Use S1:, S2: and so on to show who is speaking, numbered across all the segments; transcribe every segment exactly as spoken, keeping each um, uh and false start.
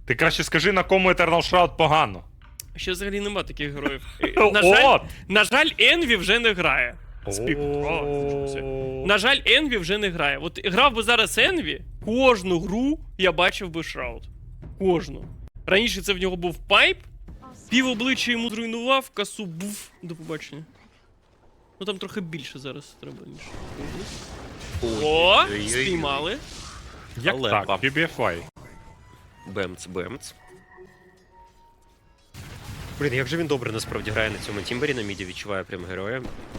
S1: Ти краще скажи, на кому Eternal Shroud погано.
S2: Ще взагалі нема таких героїв. На жаль, на жаль, Енві вже не грає. Спік. На жаль, Енві вже не грає. От грав би зараз Енві, кожну гру я бачив би Шрауд. Кожну. Раніше це в нього був пайп, пів обличчя йому зруйнував, касу був. До побачення. Ну там трохи більше зараз треба, ніж. О, спіймали.
S1: Як
S3: Але
S1: так?
S3: пап.
S1: пі бі еф ай.
S3: Бемц, бемц. Блін, як же він добре насправді грає на цьому Тімбері, на міді відчуває прям героя.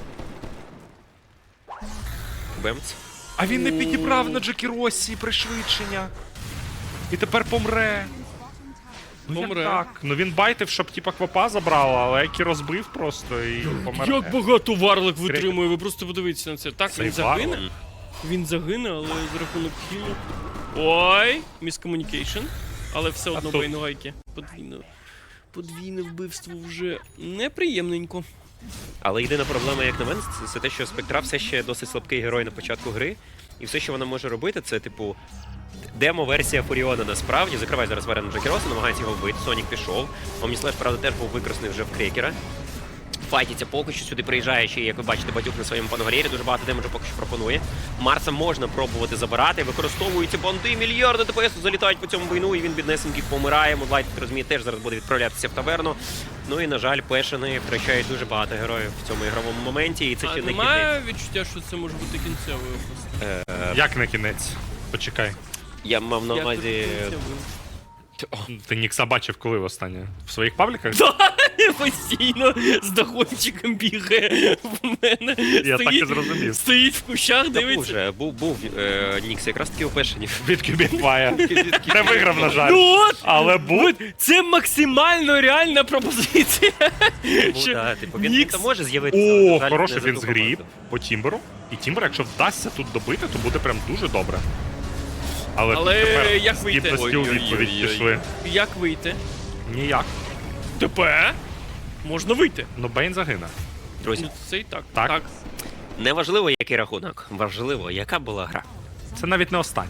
S3: Бемц.
S1: А він не підібрав на Джекіросі пришвидшення. І тепер помре. Ну
S2: Помре.
S1: як так? Ну він байтив, щоб типа квапа забрала, але Екі розбив просто і помер.
S2: Як багато варлик витримує, ви просто подивіться на це. Так,
S1: Цей
S2: він загине.
S1: варлик.
S2: Він загине, але за рахунок хілу. Ой, міскомунікейшн. Але все одно
S1: тут-
S2: байногайки. Подвійне. Подвійне вбивство вже неприємненько.
S3: Але єдина проблема, як на мене, це, це те, що Спектра все ще досить слабкий герой на початку гри. І все, що вона може робити, це, типу, демо-версія Фуріона насправді. Закривай зараз Варена Джекіроса, намагається його вбити. Сонік пішов. Омніслеш, правда, теж був викрасний вже в крекера. Файтіться поки що, сюди приїжджає ще, як ви бачите, Батюк на своєму пангарєрі. Дуже багато демеджу поки що пропонує. Марса можна пробувати забирати. Використовуються банди, мільярди ДПС залітають по цьому війну, і він біднесенький помирає. Мудлайт, як розуміє, теж зараз буде відправлятися в таверну. Ну і, на жаль, пешени втрачають дуже багато героїв в цьому ігровому моменті, і це
S2: А
S3: ще не кінець.
S2: немає відчуття, що це може бути кінцевою просто?
S1: Як на кінець? Почекай.
S3: Я мав на
S2: Як
S3: увазі...
S2: тут кінцевою?
S1: Ти Нікса бачив коли востаннє? В своїх пабліках?
S2: Постійно з догончиком бігає в мене.
S1: Я так і
S2: Стоїть-
S1: зрозумів.
S2: Стоїть в кущах,
S3: Та був
S2: дивиться.
S3: же, був, був е, Нікс якраз таки у пешенів.
S1: Від Кюбіфая. Не виграв, на жаль.
S2: Ну от!
S1: Але був.
S2: Це максимально реальна пропозиція.
S3: Ну,
S2: Що
S3: та, типу, він,
S2: Нікс-
S3: він там може з'явитися. але,
S1: О,
S3: на жаль,
S1: хороший
S3: не за
S1: він
S3: ту
S1: згріб
S3: команду.
S1: по Тімберу. І Тімбер, якщо вдасться тут добити, то буде прям дуже добре. Але, тут
S2: Але
S1: тепер
S2: як вийти?
S1: здібності у відповідь
S3: Ой-ой-ой-ой.
S1: пішли.
S2: Як вийти?
S1: Ніяк.
S2: ТП? Можна вийти.
S1: Ну Бейн загине.
S3: Друзі,
S2: Ну, це і так.
S1: Так.
S3: не важливо, який рахунок. Важливо, яка була гра.
S1: Це навіть не остання.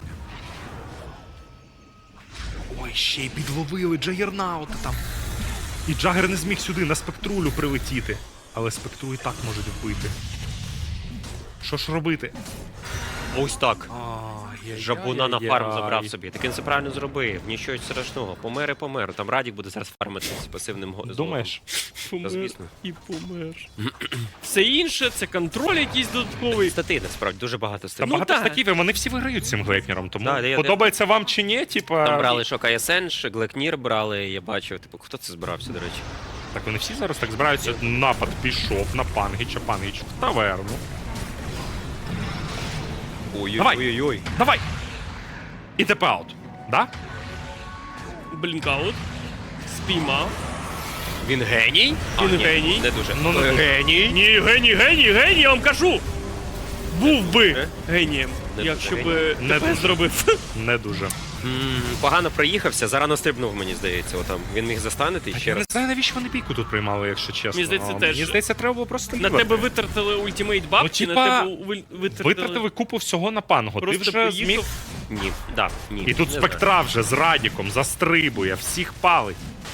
S1: Ой, ще й підловили Джагернаута там. І Джагер не зміг сюди на спектрулю прилетіти. Але спектру і так можуть вбити. Що ж робити?
S3: Ось так.
S1: Ай,
S3: Жабуна на фарм забрав собі. Таким це правильно зробив. Нічого страшного. Помер і помер. Там Радік буде зараз фармити з пасивним го-
S1: Думаєш?
S2: Помер
S3: звісно.
S2: і помер. Все інше це контроль якийсь додатковий.
S3: Стати, насправді, дуже багато
S1: Та
S3: статей.
S2: Ну,
S1: багато
S2: так.
S1: статів, і вони всі виграють цим глейпнером, тому
S3: Да, я-
S1: подобається вам чи ні, типа...
S3: Там брали Шока Есенш, Глекнір брали, я бачив. Типу, хто це збирався, до речі?
S1: Так вони всі зараз так збираються. Напад пішов на Пангіча, Пангіч в таверну. Давай.
S3: Ой-ой-ой.
S1: Давай! І тепаут. Да?
S2: Блінкаут. Спіймав.
S3: Він геній?
S2: Він
S3: ні,
S2: геній.
S3: Не дуже.
S1: Ну, не дуже.
S3: Геній?
S2: Ні, геній, геній, геній, я вам кажу! Був би
S3: Е?
S2: генієм,
S3: Не
S2: якщо
S3: дуже
S2: би
S1: Не
S2: ТП
S1: дуже.
S2: зробив.
S1: Не дуже.
S3: М, Погано проїхався, зарано стрибнув, мені здається. Отам. Він міг застанити
S1: Так
S3: ще
S1: я не
S3: раз.
S1: знаю, навіщо вони бійку тут приймали, якщо чесно.
S2: Мені здається,
S1: А,
S2: теж.
S1: Мені здається, треба було просто
S2: На
S1: лівати.
S2: тебе витратили ультимейт бабки,
S1: Ну, типа,
S2: на тебе ви- витратили...
S1: Витратили купу всього на пангу. Ти
S2: Просто
S1: вже
S2: поїхав.
S1: зміг...
S3: Ні, да, ні.
S1: І тут
S3: Не
S1: спектра вже з Радіком застрибує, всіх палить.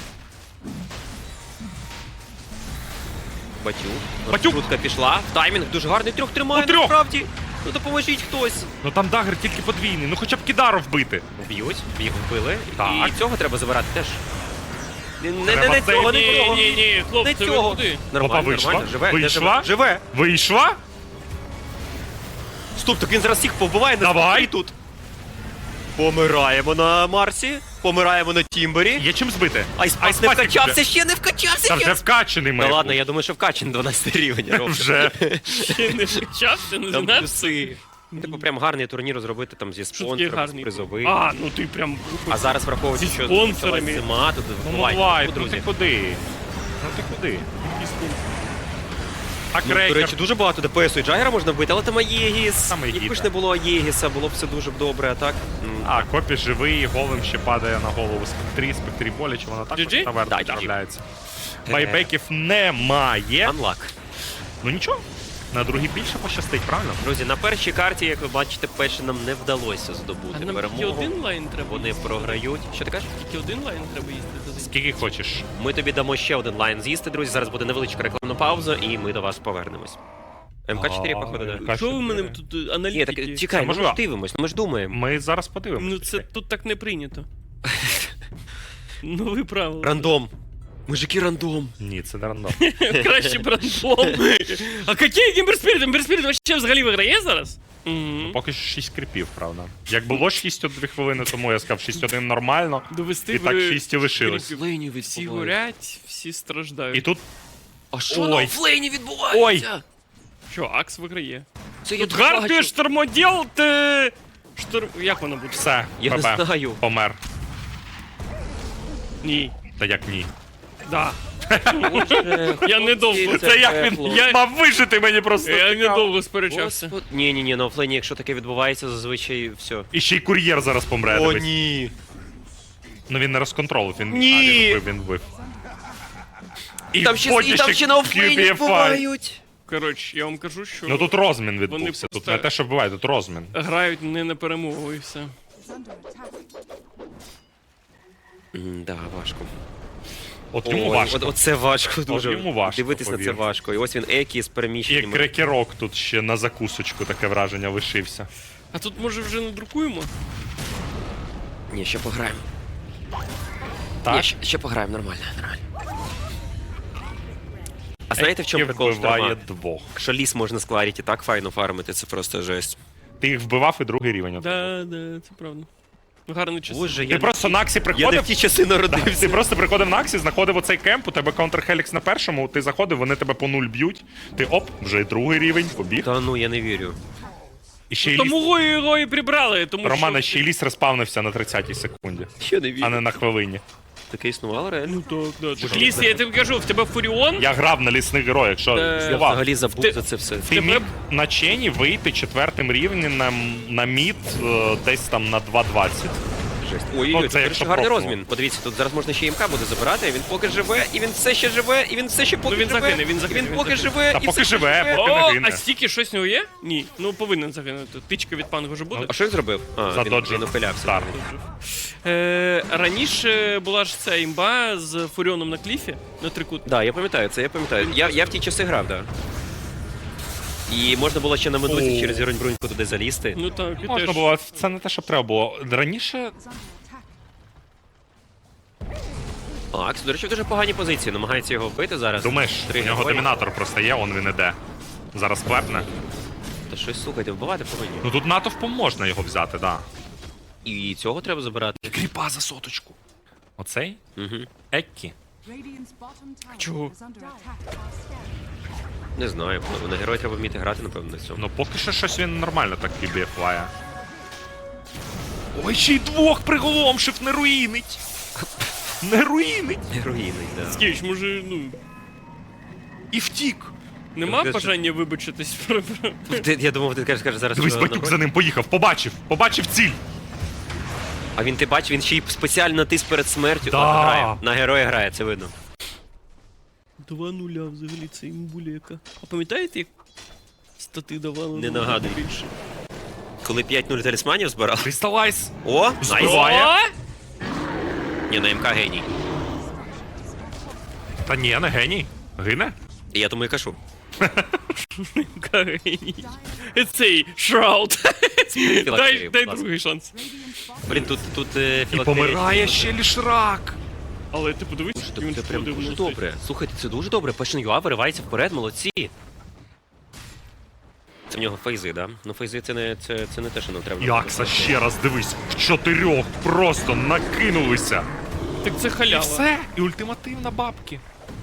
S3: Батюк.
S1: Батюк!
S3: Шутка пішла. В таймінг дуже гарний. Трьох тримає,
S1: Ну, трьох!
S3: насправді. Ну допоможіть хтось.
S1: Ну там дагер тільки подвійний, ну хоча б Кідару вбити.
S3: Б'ють, їх вбили.
S1: Так.
S3: І цього треба забирати теж. Не, не,
S1: Треба
S3: не, не
S1: цей-
S3: цього, не
S2: Ні,
S3: цього.
S2: ні, ні,
S3: Не
S2: хлопці, ви
S3: цього.
S2: куди?
S3: Нормально,
S1: Опа, вийшла?
S3: нормально, живе. не
S1: Вийшла?
S3: Живе. живе.
S1: Вийшла?
S3: Стоп, так він зараз всіх побиває на
S1: Давай.
S3: спектрі тут. Помираємо на Марсі, помираємо на Тімбері.
S1: Є чим збити.
S3: Айспас не
S1: Айспасик
S3: вкачався,
S1: вже.
S3: ще не вкачався.
S1: Та
S3: ще.
S1: вже вкачений
S3: Та
S1: має
S3: ладно,
S1: бути.
S3: я думаю, що вкачаний дванадцятий рівень. Роб.
S1: Вже.
S2: Ще не вчався, не
S3: Там
S2: знав?
S3: плюси. Типу прям гарний турнір зробити там зі
S2: Що таке
S3: спонсором, з
S2: гарний?
S3: призових.
S2: А, ну ти прям...
S3: А зараз враховуючи,
S2: Зі
S3: що
S2: спонсорами.
S3: почалась зима, тут
S1: Ну,
S3: буває,
S1: Мулайт,
S3: ну,
S1: ну ти
S3: друзі.
S1: куди? Ну ти куди? А
S3: Ну, до
S1: крекер?
S3: речі, дуже багато ДПСу і Джагера можна вбити, але там Аєгіс.
S1: Саме
S3: Якби
S1: Єгіда.
S3: ж не було Аєгіса, було б все дуже б добре, а так? М,
S1: А, Копі живий, голем ще падає на голову спектрі, спектрі боляче, вона також
S2: джі джі?
S1: в таверну
S3: Да, джі джі.
S1: відправляється. Байбеків немає.
S3: Анлак.
S1: Ну нічого. На другій більше пощастить, правильно?
S3: Друзі, на першій карті, як ви бачите, перше нам не вдалося
S2: А
S3: здобути
S2: нам тільки
S3: перемогу.
S2: один лайн треба.
S3: Вони
S2: їсти.
S3: програють. Що ти кажеш?
S2: Тільки один лайн треба їсти. туди.
S1: Скільки хочеш.
S3: Ми тобі дамо ще один лайн з'їсти, друзі. Зараз буде невеличка рекламна пауза, і ми до вас повернемось. МК чотири,
S1: А,
S3: походу, да.
S1: ем ка
S2: Що ви мене
S1: чотири.
S2: тут е,
S3: Ні,
S2: аналітики?
S3: так чекай,
S1: Це
S3: ну ми
S1: можливо.
S3: ж дивимось, ну ми ж думаємо.
S1: Ми зараз подивимося.
S2: Ну це тут так не прийнято. Нові правила.
S3: Рандом. Мужики, рандом.
S1: Ні, це не рандом.
S2: Краще б рандом. А який Гімберспіріт? Гімберспіріт вообще взагалі виграє зараз? Мгм.
S1: Поки що шість кріпів, правда. Як було шість дві хвилини тому, я сказав шість один нормально.
S2: Довести
S1: І так
S2: ви-
S1: шість і лишилось.
S2: кріпів.
S3: Флейні
S2: Всі
S3: відбувається.
S2: горять, всі страждають.
S1: І тут
S3: А що
S1: Ой.
S3: на офлейні відбувається?
S2: Що, Акс виграє?
S3: Це я
S2: Тут
S3: тут
S2: Гарпі
S3: бачу.
S2: штурмоділ, ти... Штурм... Як воно буде?
S1: все,
S3: Я не
S1: ПП,
S3: знаю.
S1: помер.
S2: Ні.
S1: Та як ні?
S2: Да. Я недовго.
S1: Це як він
S2: Я-
S1: мав вижити мені просто.
S2: Я
S1: цікаво.
S2: недовго сперечався.
S3: Ні, ні, ні, на офлейні, якщо таке відбувається, зазвичай все.
S1: І ще й кур'єр зараз помре.
S3: О,
S1: дивись.
S3: ні.
S1: Ну він не розконтролив, він,
S3: Ні.
S1: А, він вбив, він вбив. І
S3: Там ще,
S1: потім
S3: і там ще на офлейні
S1: кью бі еф ай.
S3: відбувають.
S2: Коротше, я вам кажу, що
S1: Ну тут розмін відбувся,
S2: просто-
S1: тут не те, що вбиває, тут розмін.
S2: грають не на перемогу і все.
S3: М, Да, важко.
S1: От йому
S3: Ой,
S1: важко.
S3: От, оце важко дуже.
S1: йому важко,
S3: Дивитись на це
S1: повір.
S3: важко. І ось він Екі з
S1: І
S3: переміщеннями.
S1: крекерок тут ще на закусочку таке враження лишився.
S2: А тут може вже надрукуємо?
S3: Ні, ще пограємо.
S1: Так?
S3: Ні, ще, ще пограємо, нормально, нормально. А знаєте, в чому
S1: Еккі
S3: прикол
S1: вбиває
S3: шторма?
S1: двох.
S3: Що ліс можна з Кларіті так файно фармити, це просто жесть.
S1: Ти їх вбивав і другий рівень. отримав.
S2: Да, да, це правда. Гарний час.
S3: Боже,
S1: Ти
S3: я,
S1: просто на Аксі
S3: я не
S1: приходив.
S3: в ті часи
S1: Да,
S3: народився.
S1: ти просто приходив на Аксі, знаходив оцей кемп, у тебе контрхелікс на першому, ти заходив, вони тебе по нуль б'ють. Ти оп, вже і другий рівень, побіг.
S3: Та ну, я не вірю.
S1: І ще й ліс.
S2: Тому його і прибрали, тому
S1: Романа,
S2: що...
S1: ще й ліс респавнився на тридцятій секунді,
S3: Ще не вірю.
S1: а не на хвилині.
S3: Таке існувало реально?
S2: Ну так, да. Так ліс, я тобі кажу, в тебе Фуріон,
S1: Я грав на лісних героях, що
S2: Е,
S3: Я
S1: здавав.
S3: взагалі забув
S2: Ти-
S3: за це все.
S1: Ти
S2: тебе-
S1: міг на чені вийти четвертим рівнем на, на мід е, десь там на два двадцять.
S3: Жесть. Ой,
S1: Ну,
S3: ой,
S1: це
S3: це
S1: якщо
S3: гарний
S1: профу.
S3: розмін. Подивіться, тут зараз можна ще імка буде забирати, він поки живе, і він все ще живе, і він все ще поки
S2: він
S3: живе.
S2: загине, він
S3: і
S2: загине,
S3: він
S2: він
S3: поки
S2: загине.
S3: живе,
S1: Та
S3: і
S1: поки
S3: все ще
S1: живе,
S3: живе.
S1: поки- не
S2: О,
S1: гине.
S2: а стільки щось в нього є? Ні. Ну повинен загинути. Тичка від панго вже буде.
S3: А що він зробив? А, він,
S1: Задоджив.
S3: він ухилявся.
S1: Старт.
S2: Е, раніше була ж ця імба з Фуріоном на кліфі, на трикут.
S3: Да, я пам'ятаю це, я пам'ятаю. Я, я в ті часи грав, так. Да. І можна було ще на медузі
S1: О.
S3: через Зіронь-Бруньку туди залізти.
S2: Ну так, і
S1: Можна
S2: теж.
S1: було, це не те, що треба було. Раніше
S3: Акс, до речі, в дуже поганій позиції, намагається його вбити зараз.
S1: думаєш,
S3: Три
S1: у нього
S3: герої.
S1: домінатор просто є, он він іде. Зараз клепне.
S3: Та щось, слухайте, вбивати повинні.
S1: Ну тут натовпом можна його взяти, да.
S3: І цього треба забирати.
S1: Кріпа за соточку. Оцей?
S3: Угу.
S1: Еккі.
S2: Чого?
S3: Не знаю, ну, на герої треба вміти грати, напевно, на цьому.
S1: Ну поки що щось він нормально так кібіфлає. Ой, ще й двох приголомшив, не руїнить. Не руїнить.
S3: Героїний, да.
S2: Скіч, може, ну,
S1: І втік.
S2: нема
S3: Ти-
S2: бажання вибачитись про... про-
S3: Ти- Я думав, ти кажеш, скажеш зараз.
S1: Дивись,
S3: що
S1: батюк
S3: на
S1: за ним поїхав, побачив, побачив ціль.
S3: А він ти бачиш, він ще й спеціально натис перед смертю.
S1: Да.
S3: О, грає. На героя грає, це видно.
S2: Два нуля взагалі, це імбулека. А пам'ятаєте, як стати давали?
S3: Не
S2: на
S3: нагадуй.
S2: більше?
S3: Коли п'ять нуль талісманів збирав.
S1: Кристалайз.
S3: О, найс.
S1: Збиває.
S2: О!
S3: Ні, на МК геній.
S1: Та ні, не геній. Гине?
S3: І я тому і кажу.
S2: Кариній. Цей Шрауд. Дай,
S3: Філактерію,
S2: дай
S3: будь ласка.
S2: другий шанс.
S3: Блін, тут, тут е,
S1: І
S3: філактерія.
S1: помирає ще лішрак.
S2: Але ти подивись,
S3: Це,
S2: він
S3: це прям
S2: входив
S3: дуже
S2: на
S3: добре. Слухайте, це дуже добре. Passion ю а виривається вперед, молодці. Це в нього фейзи, да? Ну фейзи це не, це, це не те, що нам треба.
S1: Якса ще раз дивись, в чотирьох просто накинулися.
S2: Так це
S1: І
S2: халява.
S1: все, і ультимативна бабки.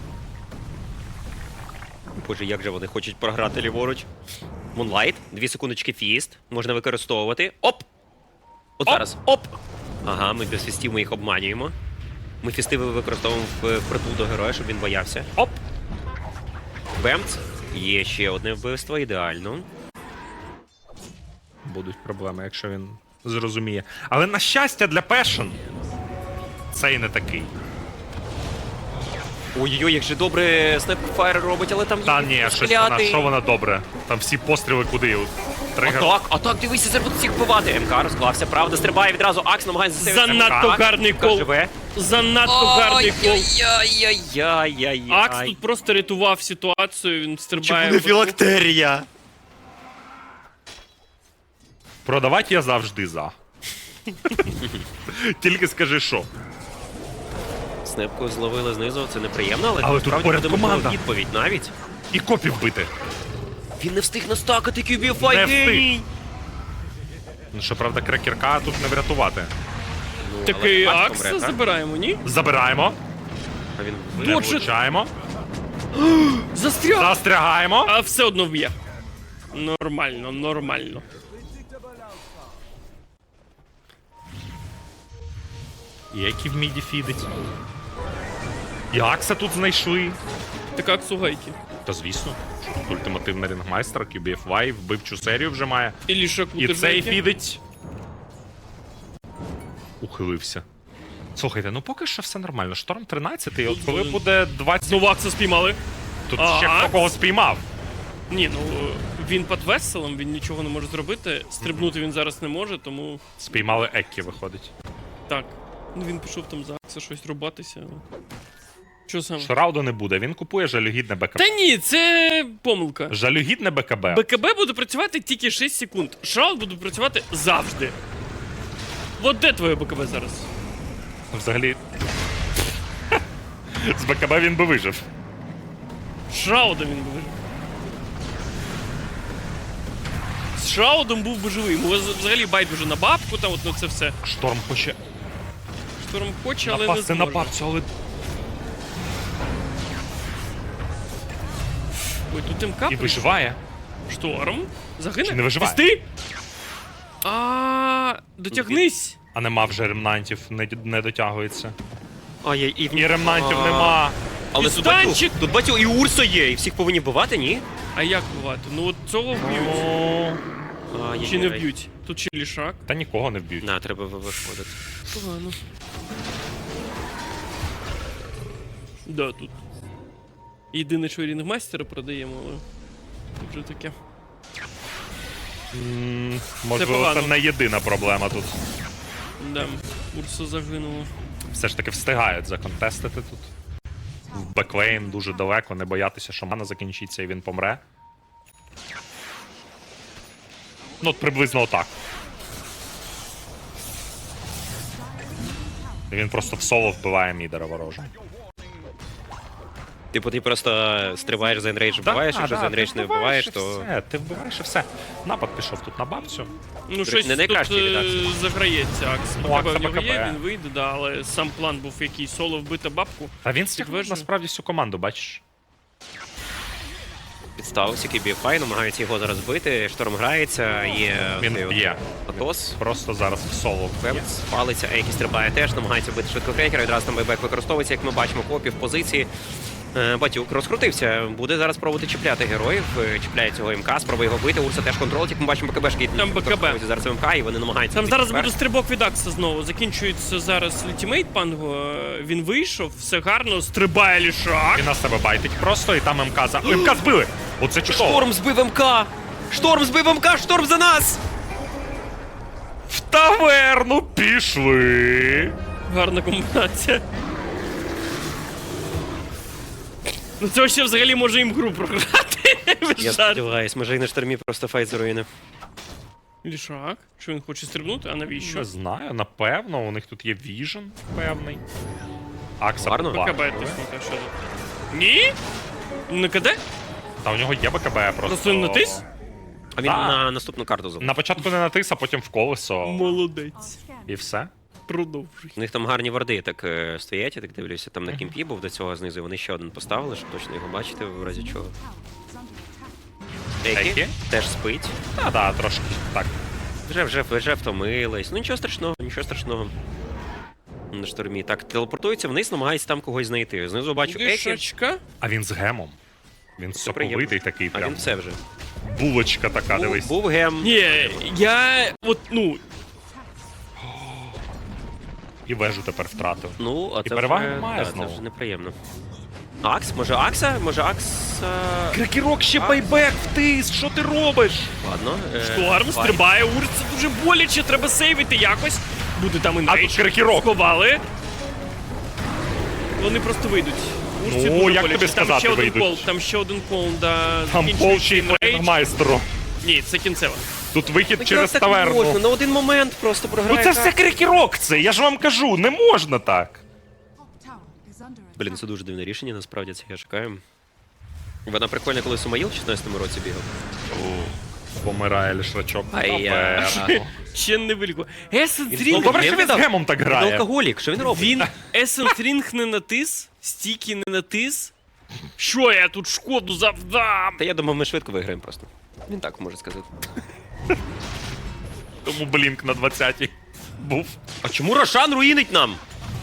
S3: Боже, як же вони хочуть програти ліворуч. Мунлайт, дві секундочки фіст. Можна використовувати. Оп! От
S1: Оп!
S3: зараз. Оп! Ага, ми без фістів ми їх обманюємо. Ми фісти використовуємо в впритул до героя, щоб він боявся.
S1: Оп!
S3: Бемц. Є ще одне вбивство, ідеально.
S1: Будуть проблеми, якщо він зрозуміє. Але на щастя для Passion цей не такий.
S3: Ой-ой-ой, як же добре Snapfire робить, але там
S1: Та
S3: є
S1: ні, щось вона,
S3: стріляти.
S1: що вона добре. Там всі постріли куди? Тригер.
S3: Так, а так, дивися, це будуть всіх вбивати. МК розклався, правда, стрибає відразу, Акс намагається засейвити.
S2: Занадто
S3: МК.
S2: гарний
S3: МК
S2: кол.
S3: живе.
S2: Занадто гарний кол.
S3: Ай-яй-яй-яй-яй.
S2: Акс тут просто рятував ситуацію, він
S3: Чи
S2: стрибає.
S3: буде
S2: в-
S3: філактерія?
S1: Продавати я завжди за. Тільки скажи, що.
S3: Снепку зловили знизу, це неприємно, але,
S1: Але тут
S3: насправді
S1: поряд
S3: буде можливо
S1: команда.
S3: відповідь навіть.
S1: І копів бити.
S3: Він не встиг настакати кю бі еф ай
S1: Не встиг.
S3: геній.
S1: Ну, щоправда, крекерка тут не врятувати.
S3: Ну,
S2: Такий
S3: але
S2: Акс
S3: помре, так?
S2: забираємо, ні?
S1: Забираємо,
S3: А він
S1: не
S3: вижив.
S2: Дуже-
S1: влучаємо,
S2: Застряг!
S1: застрягаємо.
S2: А все одно вб'є. Нормально, нормально.
S1: І які в міді фідить. І Акса тут знайшли.
S2: Так Акс у гайки.
S1: Та звісно, що тут ультимативний рингмайстер, кю бі еф вай, вбивчу серію вже має.
S2: І лішаку
S1: І
S2: теж
S1: цей
S2: гайки.
S1: фідить. Ухилився. Слухайте, ну поки що все нормально. Шторм тринадцятий, от коли
S2: Тут,
S1: буде двадцять...
S2: Знову Акса спіймали.
S1: Тут
S2: А,
S1: ще хто
S2: Акс?
S1: кого спіймав.
S2: Ні, ну він під веселом, він нічого не може зробити. Стрибнути він зараз не може, тому
S1: Спіймали Еккі, виходить.
S2: так. Ну він пішов там за Акса щось рубатися. Що саме?
S1: Шрауду не буде, він купує жалюгідне БКБ.
S2: Та ні, це помилка.
S1: Жалюгідне БКБ.
S2: БКБ буде працювати тільки шість секунд. Шраут буде працювати завжди. От де твоє БКБ зараз?
S1: Взагалі. З БКБ він би вижив.
S2: Шраудом він би вижив. З Шраудом був би живий. Йому взагалі байдуже на бабку, там от на це все.
S1: Шторм хоче
S2: Шторм хоче, але не
S1: напасти на
S2: зможе.
S1: бабцю, але
S2: Ой, тут МК
S1: і виживає.
S2: Шторм. Загине?
S1: Чи не виживає?
S2: Пусти! А, дотягнись!
S1: А нема вже ремнантів, не, не дотягується.
S3: Ай-яй, і, в-
S1: І ремнантів
S3: А.
S1: нема.
S3: Але тут батю,
S2: Пістанчик!
S3: тут батю і Урсо є, і всіх повинні бувати, ні?
S2: А як бувати? Ну от цього вб'ють.
S1: О,
S3: Ай-яй-яй.
S2: Чи не вб'ють? Тут ще лішак.
S1: Та нікого не вб'ють.
S3: На, треба ви- виходити.
S2: Погано. Да, тут. Єдине, що рінгмастера продаємо, але вже таке.
S1: М, Можливо,
S2: погано.
S1: це не єдина проблема тут.
S2: Да, Урса загинула.
S1: Все ж таки встигають законтестити тут. В беклейн дуже далеко, не боятися, що мана закінчиться і він помре. Ну, от приблизно отак. І він просто в соло вбиває мідера ворожа.
S3: Типу, ти просто стрибаєш за енрейдж, вбиваєш, якщо за енрейдж не вбиваєш, то...
S1: Все, ти вбиваєш і все. Напад пішов тут на бабцю.
S2: Ну, щось
S3: не найкращий
S2: тут
S3: від
S2: е,
S3: Акса.
S2: заграється Акс.
S1: Ну,
S2: БКБ
S1: Акса
S2: в нього є,
S1: БКБ.
S2: він вийде, да, але сам план був який соло вбити бабку.
S1: Та він стягнув
S2: Підтверджую.
S1: насправді всю команду, бачиш?
S3: Підставився кю бі еф ай, намагаються його зараз бити, Шторм грається, є...
S1: Він
S3: цей от
S1: б'є.
S3: Атос.
S1: Просто зараз в соло вб'є.
S3: Певц палиться, Ейкі стрибає теж, намагається бити швидко крекера, відразу там байбек використовується, як ми бачимо, копі в позиції. Е, Батюк розкрутився, буде зараз пробувати чіпляти героїв, е, чіпляє цього МК, спробує його бити, Урса теж контролить, як ми бачимо, БКБшки
S2: Там БКБ.
S3: використовуються зараз МК, і вони намагаються...
S2: Там
S3: бити
S2: зараз
S3: вперед.
S2: буде стрибок від Акса знову. Закінчується зараз ультимейт панго. Він вийшов, все гарно, стрибає лішак.
S1: Він на себе байтить просто, і там МК за... О, МК збили! Оце чудово!
S3: Шторм збив МК! Шторм збив МК! Шторм за нас!
S1: В таверну пішли!
S2: Гарна комбінація. Ну це ще взагалі може їм гру програти. Без
S3: Я
S2: жартів.
S3: сподіваюсь, може і на штормі просто файт з руїни.
S2: Лішак. Що він хоче стрибнути? А навіщо?
S1: Не знаю, напевно, у них тут є віжен певний. Акса
S3: Гарно.
S1: побачив.
S2: БКБ тиснути, а що тут? Ні? Не КД?
S1: Та у нього є БКБ просто.
S2: Просто він натис?
S3: А він
S1: Так.
S3: на наступну карту залишив.
S1: На початку не натис, а потім в колесо.
S2: Молодець.
S1: І все.
S2: Продовжуй.
S3: У них там гарні варди так е, стоять, я так дивлюся, там на кімпі був до цього знизу, вони ще один поставили, щоб точно його бачити, в разі чого. Екі
S1: Екі?
S3: теж спить.
S1: Та, да, трошки так.
S3: Вже, вже, вже втомились. Ну нічого страшного, нічого страшного. На штормі. Так, телепортується вниз, намагається там когось знайти. Знизу бачу Екі.
S2: Лішачка.
S1: А він з гемом. Він соковитий такий,
S3: А
S1: прям.
S3: він все вже.
S1: Булочка така,
S3: Був,
S1: дивись.
S3: був гем.
S2: Ні, я от, ну,
S1: І вежу тепер втратив.
S3: Ну, а
S1: І
S3: це
S1: переваги
S3: вже,
S1: немає
S3: да,
S1: знову.
S3: це вже неприємно. Акс? Може Акса? Може Акса...
S1: Крекерок ще байбек втис, що ти робиш?
S3: Ладно. е,
S2: Шторм
S3: файт.
S2: стрибає, Урс, це дуже боляче, треба сейвити якось. Буде там
S1: А
S2: інвейдж.
S1: тут крекерок.
S2: Сховали. Вони просто вийдуть. Урсі
S1: Ну,
S2: дуже
S1: як
S2: боляче.
S1: тобі
S2: Там
S1: сказати,
S2: ще один
S1: вийдуть?
S2: кол, там ще один кол, да.
S1: Там
S2: закінчується
S1: полчий
S2: інвейдж.
S1: майстеру.
S2: Ні, це кінцева.
S1: Тут вихід
S3: Ну,
S1: через
S3: як так можна?
S1: таверну.
S3: На один момент просто
S1: Ну
S3: програє.
S1: це все крекерок це, я ж вам кажу, не можна так.
S3: Блін, це дуже дивне рішення, насправді, це я чекаю. Вона прикольна, коли Сумаїл в шістнадцятому році бігав.
S1: Помирає лішрачок.
S3: Ай,
S1: Напевно.
S2: Ще не виліку. Есенс Рінг.
S1: Добре, що
S3: Він
S1: він з
S3: видав.
S1: гемом так
S3: Він
S1: грає.
S3: алкоголік, що він робить?
S2: Він Есенс Рінг не натис, стіки не натис. Що я тут шкоду завдам?
S3: Та я думав, ми швидко виграємо просто. Він так може сказати.
S1: Тому блінк на двадцятій був.
S3: А чому Рошан руїнить нам?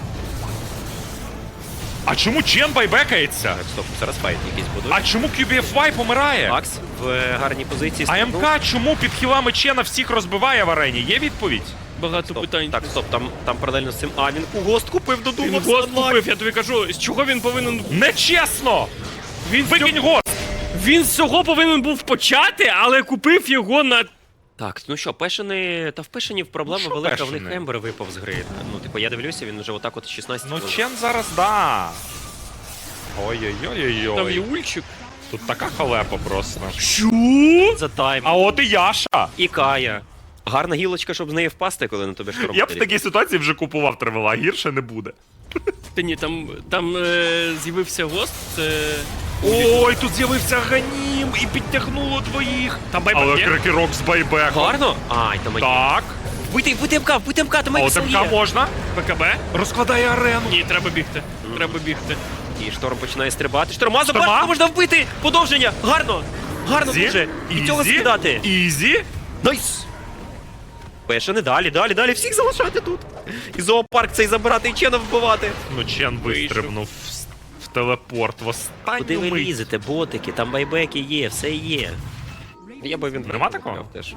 S1: А чому Чен байбекається?
S3: Так, стоп, зараз файт якийсь буде.
S1: А чому кю бі еф вай помирає?
S3: Макс в е, гарній позиції.
S1: А
S3: стрибнув.
S1: МК чому під хілами Чена всіх розбиває в арені? Є відповідь?
S2: Багато
S3: Стоп,
S2: питань.
S3: Так, стоп, там, там паралельно з цим. А, він гост купив,
S2: Він
S3: додумався.
S2: гост купив, я тобі кажу, з чого він повинен.
S1: Нечесно!
S2: Він з
S1: Викинь
S2: цього-
S1: гост!
S2: Він з цього повинен був почати, але купив його на.
S3: Так, ну що, Пешини... Та в Пешинів проблема
S1: Ну, що
S3: велика, в них
S1: Пешини?
S3: Ембер випав з гри. Ну, типу, я дивлюся, він вже отак от шістнадцять.
S1: Ну
S3: хвилин.
S1: Чен зараз да.
S2: Там є
S1: Ой-ой-ой-ой-ой.
S2: ульчик.
S1: Тут така халепа просто.
S2: Що?
S3: За тайм.
S1: А от і Яша.
S3: І Кая. Гарна гілочка, щоб з неї впасти, коли на тобі шторм.
S1: Я б в
S3: летить.
S1: такій ситуації вже купував тривела, гірше не буде.
S2: Та ні, там, там е, з'явився гост, це.
S1: Ой, тут з'явився Ганім і підтягнуло двоїх.
S2: Там байбек
S1: Але
S2: є?
S1: крекерок з байбеком.
S3: Гарно? Ай, там
S1: Так.
S3: Вбити, вбити МК, вбити МК, там
S1: А
S3: Ексон
S1: от
S3: є.
S1: МК можна.
S2: БКБ?
S1: Розкладає арену.
S2: Ні, треба бігти. Треба бігти.
S3: І шторм починає стрибати. Шторма,
S1: Шторма?
S3: забрати, можна вбити! Подовження! Гарно! Гарно
S1: Ізі.
S3: дуже! І цього
S1: Ізі.
S3: скидати!
S1: Ізі.
S3: Найс! Пешини, далі, далі, далі, всіх залишати тут! І зоопарк цей забирати, і Чена вбивати!
S1: Ну, Чен вистрибнув в, в телепорт в
S3: Куди
S1: останню
S3: ви
S1: мить.
S3: лізете, ботики, там байбеки є, все є. Я би він
S1: Нема такого?
S3: теж.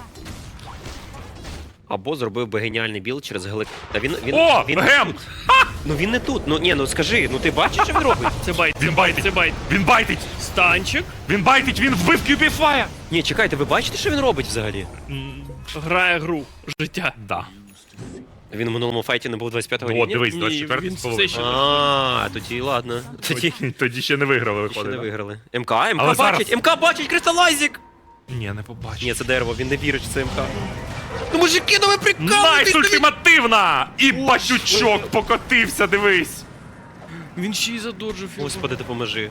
S3: Або зробив би геніальний біл через глик. Та він. він
S1: О,
S3: він
S1: гем!
S3: Ну він не тут. Ну ні, ну скажи, ну ти бачиш, що він робить?
S2: Це байт.
S1: Він байтить.
S2: Це байт.
S1: Він байтить.
S2: Станчик.
S1: Він байтить, він вбив кю бі еф вай.
S3: Ні, чекайте, ви бачите, що він робить взагалі?
S2: Грає гру. Життя.
S1: Да.
S3: Він в минулому файті не був двадцять п'ятого
S1: О,
S3: рівня?
S1: дивись,
S2: Ні,
S1: двадцять четвертий
S2: він
S1: з половиною.
S2: все ще-
S3: А, тоді ладно. Тоді
S1: Тоді, тоді ще не виграли,
S3: ще
S1: виходить.
S3: не
S1: да?
S3: виграли. МК, МК
S1: Але
S3: бачить,
S1: зараз-
S3: МК бачить, кристалайзик!
S1: Ні, не побачив.
S3: Ні, це дерево, він не вірить, що це МК. Ну мужики, ну ви
S1: Найс
S3: прикалуєтесь!
S1: ультимативна! І батючок покотився, дивись.
S2: Він ще й задоджив його.
S3: Господи, допоможи.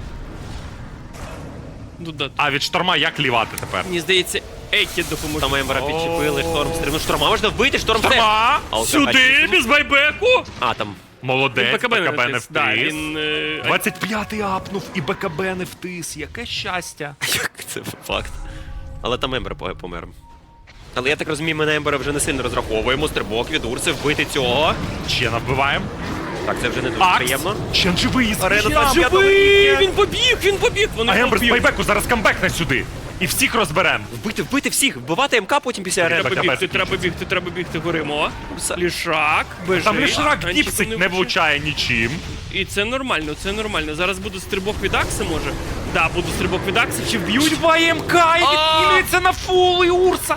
S2: Ну да.
S1: А від шторма як лівати тепер?
S2: Мені здається, Екі допоможе.
S3: Там Ембера підчепили, шторм стрим. Ну шторма можна вбити, шторм все.
S1: Шторма!
S3: А от
S2: Сюди,
S3: така-
S2: без байбеку!
S3: А, там.
S1: Молодець,
S2: Він БКБ не
S1: БКБ не
S2: натис. Да,
S1: втис.
S2: він... е,
S1: двадцять п'ятий апнув і БКБ не втис. Яке щастя.
S3: Як це факт. Але там Ембер по- помер. Але я так розумію, ми на Ембера вже не сильно розраховуємо. Стрибок від Урси, вбити цього.
S1: Чена вбиваємо.
S3: Так, це вже не дуже
S1: Акс!
S3: приємно.
S1: Чен живий,
S3: Арена
S1: Чен
S3: там,
S1: живий!
S2: Живий! Він побіг, він побіг! Вони
S1: А Ембер з
S2: побіг.
S1: байбеку зараз камбекне сюди. І всіх розберемо.
S3: Вбити, вбити всіх, вбивати МК потім після арени.
S2: Треба
S1: БКБ
S2: бігти,
S1: закінчиться.
S2: треба бігти, треба бігти, горимо. Лішак, бежить.
S1: Там лішрак
S2: танчик
S1: діпсить не
S2: влучає.
S1: влучає нічим.
S2: І це нормально, це нормально. Зараз буде стрибок від Акси, може? Да, буде стрибок від Акси, чи вб'ють?
S1: Живає МК і відкинується на фул і Урса.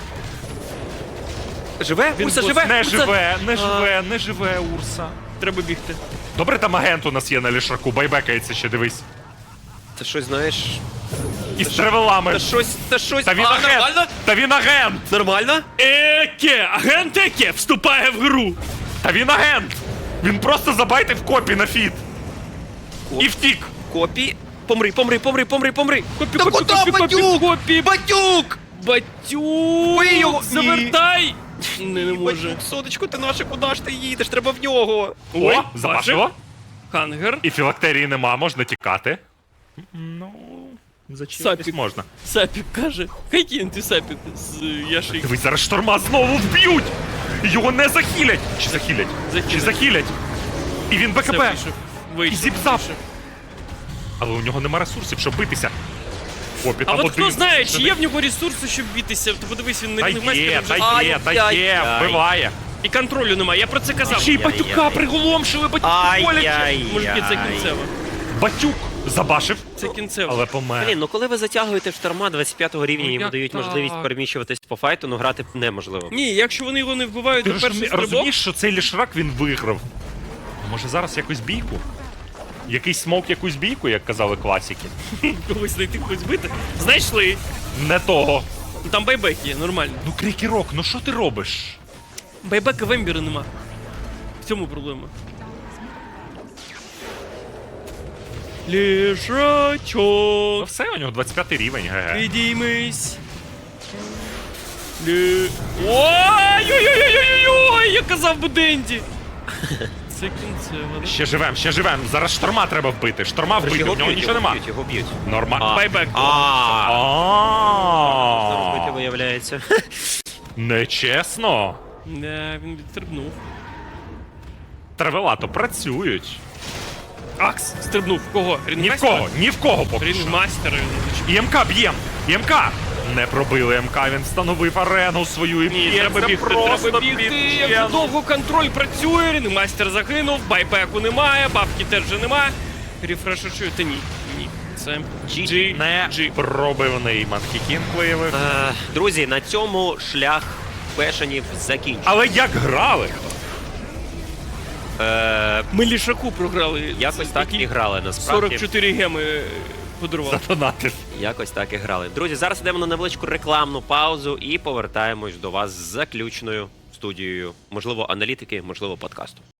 S3: Живе?
S2: Він
S3: Урса
S2: бос-
S3: живе?
S1: Не
S3: Урса-
S1: живе, не живе, не живе Урса.
S2: Треба бігти.
S1: Добре, там агент у нас є на лішаку, байбекається ще, дивись.
S3: Це щось, знаєш...
S1: І з тревелами.
S3: Це щось, це щось...
S1: Та він
S3: А,
S1: агент!
S3: нормально?
S1: Та він агент!
S3: Нормально?
S2: Еке! Агент Еке вступає в гру!
S1: Та він агент! Він просто забайтив копі на фіт.
S3: Коп.
S1: І втік.
S3: Копі. Помри, помри, помри, помри, помри.
S2: Копі,
S3: Та
S2: копі,
S3: куди,
S2: копі, копі,
S3: Батюк?
S2: копі!
S3: Батюк!
S2: Батюк!
S3: Бий його! Ні.
S2: Завертай! Не, не може.
S3: Батюк, сонечко, ти наше, куди ж ти їдеш? Треба в нього.
S2: Ой,
S1: О, запашило.
S2: Хангер.
S1: І філактерії нема, можна тікати. Ну, зачіпатись
S2: Сапік.
S1: можна.
S2: Сапік каже. Хай кинути Сапік з Яши.
S1: Дивись, зараз шторма знову вб'ють! Його не захилять! Чи захилять?
S2: Захилять.
S1: Чи захилять? І він БКБ!
S2: Вийшов.
S1: І
S2: Вийшов.
S1: зіпсав!
S2: вийшов.
S1: Але у нього нема ресурсів, щоб битися. Копі,
S2: А
S1: там
S2: от хто
S1: один.
S2: знає, чи є в нього ресурси, щоб битися? То подивись, він не
S1: Та
S2: не
S1: є,
S2: майстер
S1: та
S2: вже.
S1: є, та є,
S3: Ай-яй-яй.
S1: вбиває.
S2: І контролю немає, я про це казав.
S1: Ще й
S3: Ай-яй-яй.
S1: батюка приголомшили, батюка боляче.
S3: Ай-яй.
S2: Мужики, це кінцево.
S1: Батюк забашив,
S2: Це кінцево.
S1: але помер.
S3: Блін, ну коли ви затягуєте шторма двадцять п'ятого рівня
S1: Ну,
S3: і йому
S1: як
S3: дають
S1: так?
S3: можливість переміщуватись по файту, ну грати неможливо.
S2: Ні, якщо вони його не вбивають
S1: Ти
S2: до першого
S1: розумі-
S2: стрибок,
S1: розумієш, що цей лішрак він виграв? А може зараз якусь бійку? Якийсь смок, якусь бійку, як казали класики?
S2: когось знайти, когось бити. Знайшли.
S1: Не того.
S2: Ну, там байбек є, нормально.
S1: Ну, Крікерок, ну що ти робиш?
S2: Байбека в Ембіра нема. В цьому проблема.
S1: Ну
S2: Лішачок,
S1: все, у нього двадцять п'ятий рівень, ге-ге.
S2: підіймись. Лі... Ой-ой-ой-ой-ой-ой! Я казав би Денді. Це кінцево, да?
S1: Ще живем, ще живем. Зараз шторма треба вбити. Шторма вбити, у нього нічого нема.
S3: б'ють, його б'ють.
S1: Нормально.
S2: Байбек.
S3: А, робити
S1: А
S3: виявляється.
S1: Нечесно.
S2: Не, він відстрибнув.
S1: Травелато працюють.
S2: Акс стрибнув. В кого?
S1: Ні в
S2: Рінгмастера?
S1: кого, ні в кого поки що.
S2: Рінгмастера.
S1: І МК б'єм! І МК! Не пробили МК, він встановив арену свою і
S2: Ні,
S1: б'є.
S2: треба
S1: Це
S2: бігти,
S1: просто
S2: треба бігти. Як
S1: підчем.
S2: довго контроль працює, рінгмастер загинув, байбеку немає, бабки теж вже немає. Рефрешер, та ні, ні. Це G,
S1: Не
S2: G.
S1: пробивний Манхікін виявив.
S3: Е, Друзі, на цьому шлях Пешенів закінчено.
S1: Але як грали?
S3: Е,
S2: Ми лішаку програли.
S3: Якось
S2: Це
S3: так
S2: такі
S3: і грали, насправді.
S2: сорок чотири геми подарував.
S1: Задонатив.
S3: Якось так і грали. Друзі, зараз йдемо на невеличку рекламну паузу і повертаємось до вас з заключною студією. Можливо, аналітики, можливо, подкасту.